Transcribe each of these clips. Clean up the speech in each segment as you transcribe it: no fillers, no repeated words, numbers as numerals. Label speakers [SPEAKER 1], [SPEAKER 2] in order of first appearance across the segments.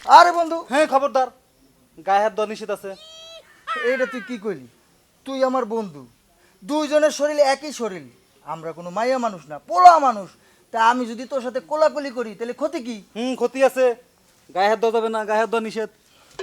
[SPEAKER 1] আরে বন্ধু,
[SPEAKER 2] হ্যাঁ খবরদার, গায়ে হাত দেওয়া নিষেধ আছে।
[SPEAKER 1] এইটা তুই কি করলি? তুই আমার বন্ধু, দুইজনের শরীর একই শরীর। আমরা কোনো মাইয়া মানুষ না, পোলা মানুষ। তা আমি যদি তোর সাথে কোলাকুলি করি তাহলে ক্ষতি কি?
[SPEAKER 2] ক্ষতি আছে, গায়ে হাত দেওয়া যাবে না, গায়ে হাত দেওয়া নিষেধ।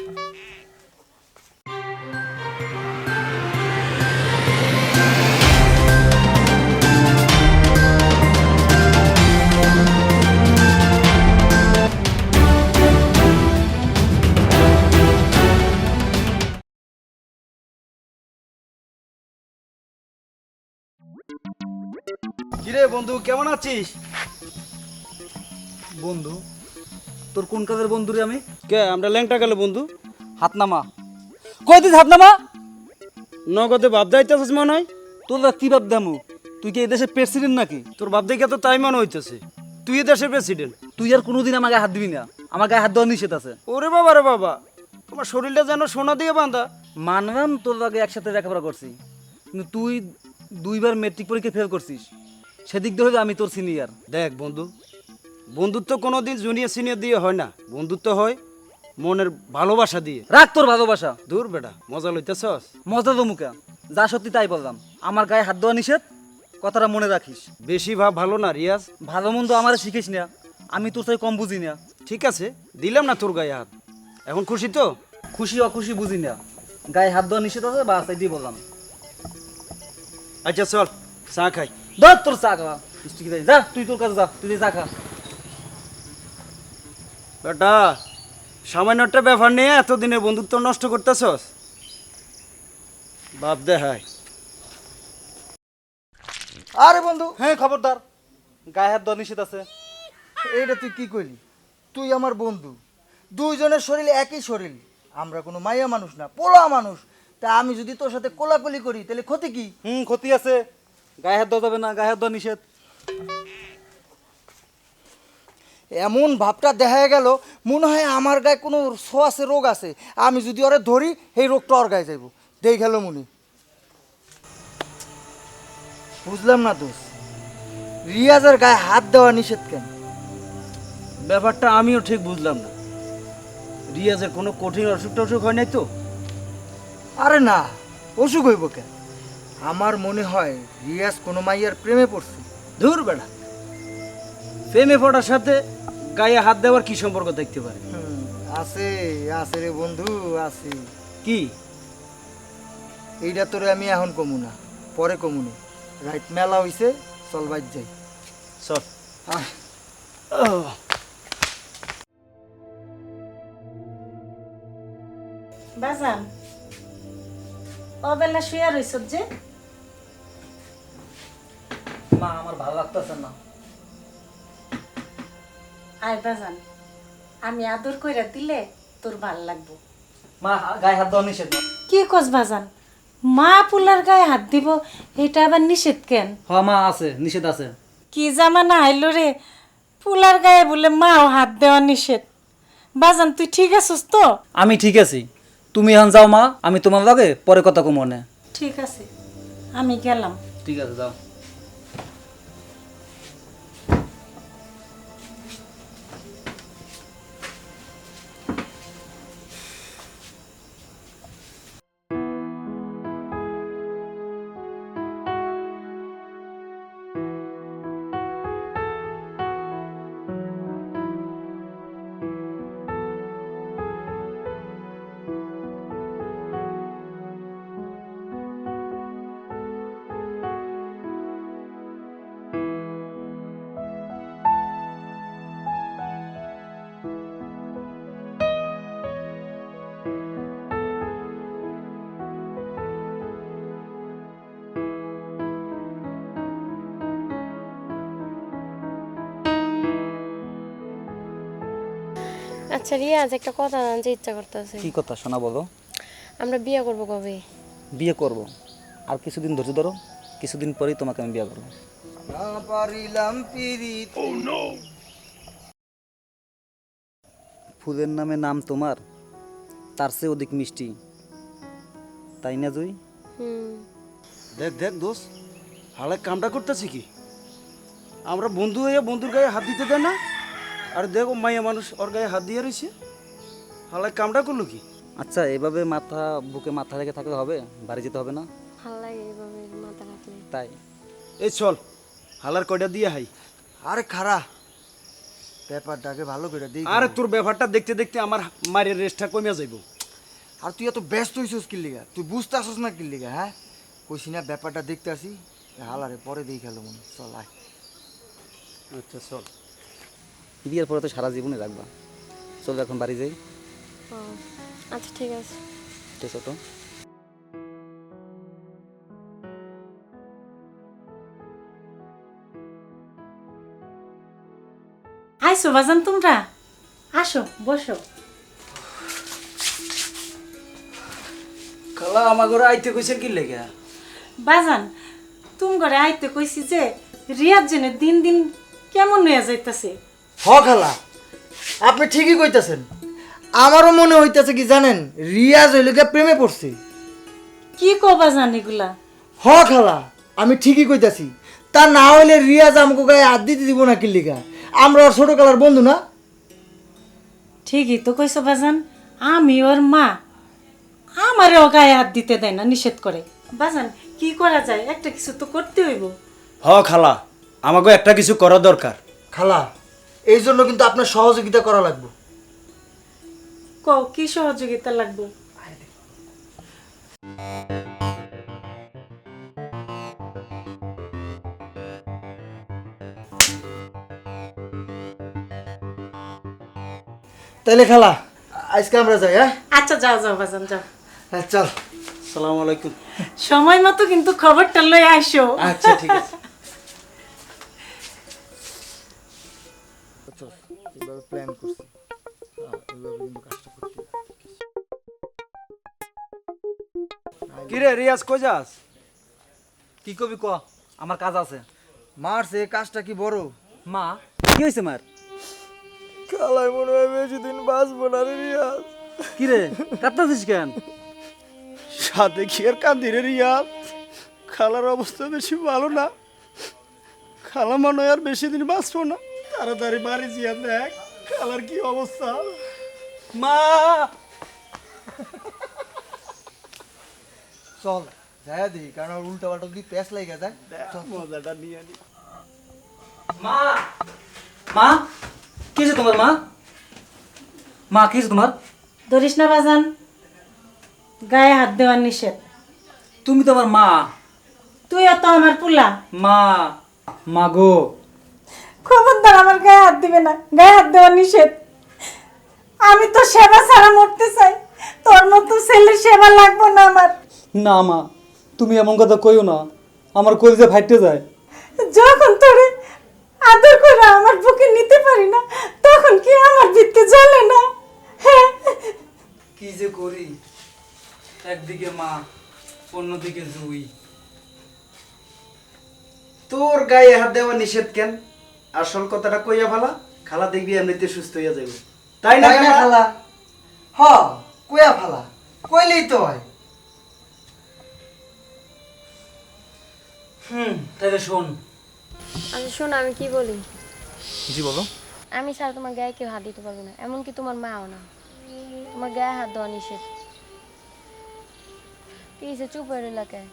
[SPEAKER 2] কিরে বন্ধু, কেমন আছিস?
[SPEAKER 1] বন্ধু, তোর কোন কাজের বন্ধু রে আমি?
[SPEAKER 2] কে আমরা ল্যাংটা গেল বন্ধু?
[SPEAKER 1] হাত নামা। কই দিস হাত নামা?
[SPEAKER 2] নগদে বাপ যাইতেছিস মনে হয়।
[SPEAKER 1] তোর কি ভাব দামু? তুই কি এই দেশের প্রেসিডেন্ট নাকি?
[SPEAKER 2] তোর বাপ দেখে তো তাই মনে হইতেছে, তুই দেশের প্রেসিডেন্ট।
[SPEAKER 1] তুই আর কোনোদিন আমার গায়ে হাত দিবি না, আমার গায়ে হাত দেওয়া নিষেধ আছে।
[SPEAKER 2] ওরে বাবা রে বাবা, তোমার শরীরটা যেন সোনা দিয়ে বাঁধা।
[SPEAKER 1] মানলাম তোর আগে একসাথে লেখাপড়া করছি, কিন্তু তুই দুইবার মেট্রিক পরীক্ষা ফেল করছিস। সেদিক দিয়ে হয়তো আমি তোর সিনিয়র।
[SPEAKER 2] দেখ বন্ধু, বন্ধুত্ব কোনোদিন জুনিয়র সিনিয়র দিয়ে হয় না, বন্ধুত্ব হয় মনের ভালোবাসা দিয়ে।
[SPEAKER 1] রাখ তোর ভালোবাসা।
[SPEAKER 2] দূর বেটা, মজা লইতেছস?
[SPEAKER 1] মজা তো মুখা, যা সত্যি তাই বললাম। আমার গায়ে হাত দেওয়া নিষেধ, কথাটা মনে রাখিস।
[SPEAKER 2] বেশি ভাব ভালো না রিয়াজ।
[SPEAKER 1] ভালো মন্দ আমার শিখিস না, আমি তোর সাথে কম বুঝি না।
[SPEAKER 2] ঠিক আছে, দিলাম না তোর গায়ে হাত। এখন খুশি তো?
[SPEAKER 1] খুশি অখুশি বুঝি না, গায়ে হাত দেওয়া নিষেধ আছে, বাস এই দিয়ে বললাম।
[SPEAKER 2] আচ্ছা চল চা খাই।
[SPEAKER 1] ধর তোর চা খা, মিষ্টি খেতে যা, তুই তোর কাছে যা, তুই চা খা।
[SPEAKER 2] বেটা, সামান্য একটা ব্যাপার নিয়ে এতদিনের বন্ধুত্ব নষ্ট করতেছস? বাপ দেখায়।
[SPEAKER 1] আরে বন্ধু,
[SPEAKER 2] হ্যাঁ খবরদার, গায়ে হাত দেওয়া নিষেধ আছে।
[SPEAKER 1] এইটা তুই কি করলি? তুই আমার বন্ধু, দুইজনের শরীর একই শরীর। আমরা কোনো মাইয়া মানুষ না, পোলা মানুষ। তা আমি যদি তোর সাথে কোলাকুলি করি তাহলে ক্ষতি কি?
[SPEAKER 2] ক্ষতি আছে, গায়ে হাত দেওয়া যাবে না, গায়ে হাত দেওয়া নিষেধ।
[SPEAKER 1] এমন ভাবটা দেখা গেল মনে হয় আমার গায়ে কোনো ছোঁয়াশে রোগ আছে। আমি যদি ওরে ধরি, এই রোগটা ওর গায়ে যাইব। দেখ গেল মনে, বুঝলাম না দোষ, রিয়াজের গায়ে হাত দেওয়া নিষেধ কেন?
[SPEAKER 2] ব্যাপারটা আমিও ঠিক বুঝলাম না। রিয়াজের কোনো কঠিন অসুখ টসুখ হয় নাই তো?
[SPEAKER 1] আরে না, অসুখ হইব কেন? আমার মনে হয় রিয়াজ কোনো মাইয়ার প্রেমে পড়ছে।
[SPEAKER 2] ধুর বেড়া, প্রেমে পড়ার সাথে গায়ে হাত দেওয়ার কি সম্পর্ক দেখতে পারে?
[SPEAKER 1] আছে, আছে রে বন্ধু, আছে।
[SPEAKER 2] কি?
[SPEAKER 1] এইটা তোরে আমি এখন কমু না, পরে কমুনি। রাইট মেলা হইছে, চল বাইর যাই।
[SPEAKER 2] চল।
[SPEAKER 1] আয়।
[SPEAKER 3] বাজান অবেলা শুয়ে রইছ যে?
[SPEAKER 1] মা, আমার ভালো লাগতেছে না।
[SPEAKER 3] আয় বাজান, আমি আদর কইরা দিলে তোর ভাল লাগবো।
[SPEAKER 1] মা, গায়ে হাত দেওয়া নিষেধ।
[SPEAKER 3] কি কস বাজান, মা পুলার গায়ে হাত দিব, এটা আবার নিষেধ কেন?
[SPEAKER 1] হ মা, আছে, নিষেধ আছে।
[SPEAKER 3] কি জামানা আইলো রে, পুলার গায়ে বলে মাও হাত দেওয়া নিষেধ। বাজান তুই ঠিক আছিস তো?
[SPEAKER 1] আমি ঠিক আছি, তুমি এখন যাও মা, আমি তোমার লগে পরে কথা কম মনে।
[SPEAKER 3] ঠিক আছে, আমি গেলাম।
[SPEAKER 1] ঠিক আছে, যাও।
[SPEAKER 4] আচ্ছা রিয়াজ, একটা কথা জানতে ইচ্ছা করতেছে।
[SPEAKER 1] কি কথা শোনা, বলো।
[SPEAKER 4] আমরা বিয়ে করব কবে?
[SPEAKER 1] বিয়ে করব, আর কিছুদিন ধৈর্য ধরো, কিছুদিন পরেই তোমাকে আমি বিয়ে করবো। ফুলের নামে নাম তোমার, তার চেয়ে অধিক মিষ্টি, তাই না জুই?
[SPEAKER 4] হুম।
[SPEAKER 2] দেখ দেখ দোষ, হালে কামটা করতেছি কি? আমরা বন্ধু হয়ে বন্ধুর গায়ে হাত দিতে দেয় না, আর দেখো মাইয়া মানুষ ওর গায়ে হাত দিয়ে রয়েছে। হালাই কামটা করলো কি?
[SPEAKER 5] আচ্ছা এভাবে বুকে মাথা রেখে থাকলে হবে? বাড়ি যেতে হবে না?
[SPEAKER 4] ভালো লাগে এইভাবে মাথা রাখলে।
[SPEAKER 5] তাই
[SPEAKER 2] এই চল হালার কয়টা দিয়ে হাই।
[SPEAKER 1] আরে খারা ব্যাপারটাকে ভালো করে দিই।
[SPEAKER 2] আরে তোর ব্যাপারটা দেখতে দেখতে আমার মায়ের রেস্টটা কমিয়া যাইব।
[SPEAKER 1] আর তুই এত ব্যস্ত হইছিস কি লিগা? তুই বুঝতে আসিস না কি লিগা? হ্যাঁ কইছি না ব্যাপারটা দেখতে আসি। হালারে পরে দেই খেলো মনে, চল আয়।
[SPEAKER 2] আচ্ছা চল।
[SPEAKER 5] বিয়ের পরে তো সারা জীবনে রাখবা। চলো এখন বাড়ি যাই।
[SPEAKER 4] ও আচ্ছা ঠিক আছে।
[SPEAKER 5] ঠিক আছে তো।
[SPEAKER 3] আইসো বাজান তোমরা, আসো বসো।
[SPEAKER 2] খালা আমার ঘরে আইতে কইছে কি লেগে?
[SPEAKER 3] বাজান তুমি ঘরে আইতে কইছি যে রিয়াজ জেনে দিন দিন কেমন হয়ে যাইতাছে।
[SPEAKER 1] হ খালা, আপনি ঠিকই কইতাছেন। আমারও মনে হইতাছে কি জানেন, রিয়াজ হইলে গিয়া প্রেমে পড়ছে।
[SPEAKER 3] কি কো বাজান এগুলা?
[SPEAKER 1] হ খালা, আমি ঠিকই কইতাছি। তা না হইলে রিয়াজ আমাকে গায়ে হাত দিতে দিব না কি লিগা? আমরা ওর ছোট কালার বন্ধু না?
[SPEAKER 3] ঠিকই তো কইছো বাজান, আমি ওর মা, আমারও গায়ে হাত দিতে দেয় না, নিষেধ করে। বাজান কি করা যায়? একটা কিছু তো করতে হইব।
[SPEAKER 2] হ খালা, আমাকে একটা কিছু করা দরকার।
[SPEAKER 1] খালা, এই জন্য কিন্তু আপনার সহযোগিতা করা লাগবে।
[SPEAKER 3] কও কি সহযোগিতা লাগবে?
[SPEAKER 1] তাইলে খালা আজকে আমরা যাই। হ্যাঁ
[SPEAKER 3] আচ্ছা যাও যাও বাজান যাও।
[SPEAKER 1] হ্যাঁ চল।
[SPEAKER 2] আসসালামু আলাইকুম।
[SPEAKER 3] সময় মতো কিন্তু খবরটা লই আইসো।
[SPEAKER 2] আচ্ছা ঠিক আছে।
[SPEAKER 1] এভাবে প্ল্যান করছি, এভাবে কিন্তু কাজটা করতে হবে।
[SPEAKER 2] কি রে রিয়াজ কই যাস?
[SPEAKER 5] কি কবি ক, আমার কাজ আছে।
[SPEAKER 1] মারছে, কাজটা কি বড়?
[SPEAKER 5] মা কি হয়েছে মার?
[SPEAKER 1] খালাই মনে হয় বেশি দিন বাঁচবো না রে রিয়াজ।
[SPEAKER 5] কি রে কাঁদতেছিস কেন?
[SPEAKER 2] সাথে কি আর কাঁদি রে রিয়াজ? খালার অবস্থা বেশি ভালো না। খালা মনে হয় আর বেশি দিন বাঁচবো না। তাড়াতাড়ি বাড়ি জিয়া দেখ খালার কি অবস্থা।
[SPEAKER 5] মা
[SPEAKER 1] চল যাই দিই, কারণ উল্টা পাল্টা যদি প্যাঁচ লাগে যায়।
[SPEAKER 2] মজাটা নিয়ে নি।
[SPEAKER 5] মা মা কি হয়েছে তোমার? মা মা কি হয়েছে তোমার?
[SPEAKER 3] ধরিস না বাজান, গায়ে হাত দেওয়ার নিষেধ।
[SPEAKER 5] তুমি তো আমার মা।
[SPEAKER 3] তুইও তো আমার পুলা।
[SPEAKER 5] মা মা গো।
[SPEAKER 3] খবরদার আমার গায়ে হাত দিবে না, গায়ে হাত দেওয়ার নিষেধ। আমি তো সেবা ছাড়া মরতে চাই, তোর মতো ছেলের সেবা লাগবো না আমার।
[SPEAKER 5] না মা তুমি এমন কথা কইও না, আমার কলিজা ফাইটে যায়।
[SPEAKER 3] যখন তোরে আদর করে আমার বুকে নিতে পারি না, তখন কি আমার ভিত্তি জ্বলে না? হ্যাঁ
[SPEAKER 5] কি যে করি, একদিকে মা অন্যদিকে জুই।
[SPEAKER 2] তোর গায়ে হাত দেওয়া নিষেধ কেন? আসল কথাটা কইয়া ভালা, খালা দেখবি এমনিতে সুস্থ হইয়া যাইব। তাই না
[SPEAKER 1] তাই না
[SPEAKER 2] খালা?
[SPEAKER 1] খালা? হ, কয়া ফালা, কইলেই তো হয়।
[SPEAKER 5] তাহলে শোন।
[SPEAKER 4] আচ্ছা শোনো আমি কি বলি।
[SPEAKER 5] জি বলো।
[SPEAKER 4] আমি ছাড়া তোমার গায়ে কেউ হাত দিতে পারবে না, এমনকি তোমার মাও না। তোমার গায়ে হাত দেওয়া নিষেধ। কি হয়েছে, চুপ হয়ে এলাকায়?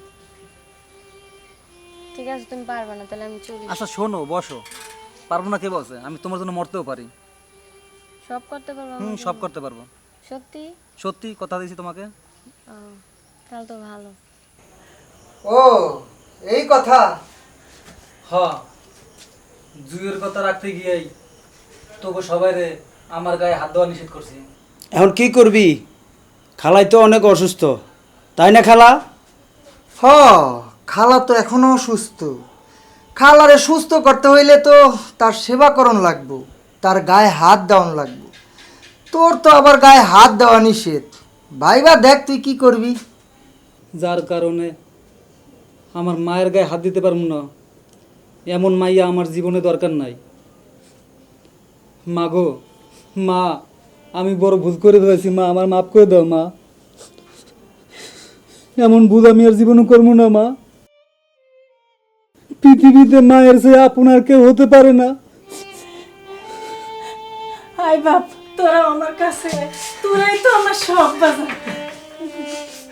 [SPEAKER 4] ঠিক আছে তুমি পারবে না, তাহলে আমি চলি।
[SPEAKER 5] আচ্ছা শোনো, বসো। পারবো না কে বলছে? আমি তোমার জন্য মরতেও পারি।
[SPEAKER 4] সব করতে পারবো আমার
[SPEAKER 5] সব
[SPEAKER 4] জন্য?
[SPEAKER 5] করতে পারবো।
[SPEAKER 4] সত্যি?
[SPEAKER 5] সত্যি কথা দিয়েছি তোমাকে।
[SPEAKER 4] ও, তাহলে তো ভালো।
[SPEAKER 1] ও এই কথা।
[SPEAKER 5] হ, জুইয়ের কথা রাখতে গিয়েই তোকে সবাই রে আমার গায়ে হাত দেওয়া নিষেধ করছি।
[SPEAKER 2] এখন কি করবি? খালাই তো অনেক অসুস্থ, তাই না খালা?
[SPEAKER 1] হ, খালা তো এখনো সুস্থ। খালারে সুস্থ করতে হইলে তো তার সেবাকরণ লাগবো, তার গায়ে হাত দেওয়ান লাগবো। তোর তো আবার গায়ে হাত দেওয়া নিষেধ। ভাইবা দেখ তুই কি করবি।
[SPEAKER 5] যার কারণে আমার মায়ের গায়ে হাত দিতে পারবো না, এমন মাইয়া আমার জীবনে দরকার নাই। মা গো, মা আমি বড় ভুল করে ফেলেছি মা, আমার মাফ করে দাও মা। এমন ভুল আমি আর জীবনে করবো না মা। পৃথিবীতে মায়ের চেয়ে আপনার কেউ হতে পারে না।
[SPEAKER 3] হাই বাপ, তোরা আমার কাছে, তোরাই তো আমার সব বাজান।